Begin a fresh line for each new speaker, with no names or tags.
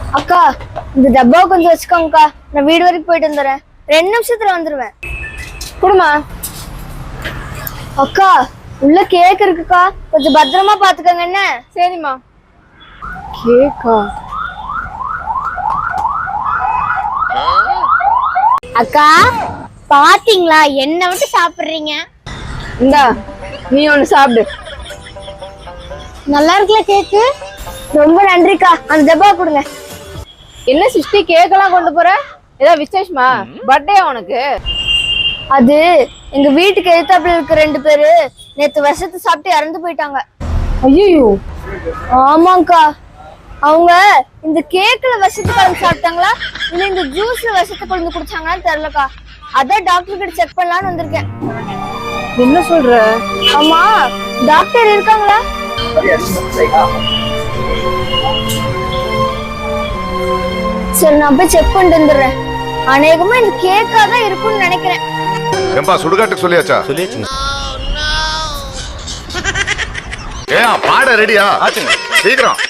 அக்கா இந்த டப்பாவை கொஞ்சம் வச்சுக்கோங்கக்கா. நான் வீடு வரைக்கும் போயிட்டு வந்துடுறேன். 2 நிமிஷத்துல வந்துருவேன்.
குடுமா.
அக்கா உள்ள கேக் இருக்குக்கா, கொஞ்சம் பத்திரமா பாத்துக்கோங்க. என்ன?
சரிம்மா. கேக்கா?
அக்கா பாத்தீங்களா என்ன விட்டு சாப்பிடுறீங்க?
இந்தா நீ ஒண்ணு சாப்பிடு.
நல்லா இருக்குல்ல கேக்கு? ரொம்ப நன்றிக்கா. அந்த டப்பா கொடுங்க.
என்ன சிஸ்டி கேக்கெல்லாம் கொண்டு போற? ஏதாவது விசேஷமா? பர்த்டே உனக்கு?
அது எங்க வீட்டுக்கு எதிர்த்தாப்புல இருக்க 2 பேரு நேத்து விஷத்தை சாப்பிட்டு இறந்து போயிட்டாங்க.
ஐயோ.
ஆமாங்கக்கா. அவங்க இந்த கேக்ல விஷத்தை கலந்து சாப்பிட்டாங்களா இல்ல இந்த ஜூஸ்ல விஷத்தை கலந்து குடிச்சாங்களான்னு தெரியலக்கா. அதான் டாக்டர் கிட்ட செக் பண்ணலான்னு வந்திருக்கேன்.
என்ன சொல்ற?
ஆமா, டாக்டர் இருக்காங்களா? சரி நான் போய் செக் பண்ணிட்டு வந்துடுறேன். அநேகமா இந்த கேக்கா தான் இருக்கும்னு நினைக்கிறேன்.
ஏம்பா சுடுகாட்டுக்கு சொல்லியாச்சா?
சொல்லியாச்சுங்க.
ஏன் பாட ரெடியா? சீக்கிரம்.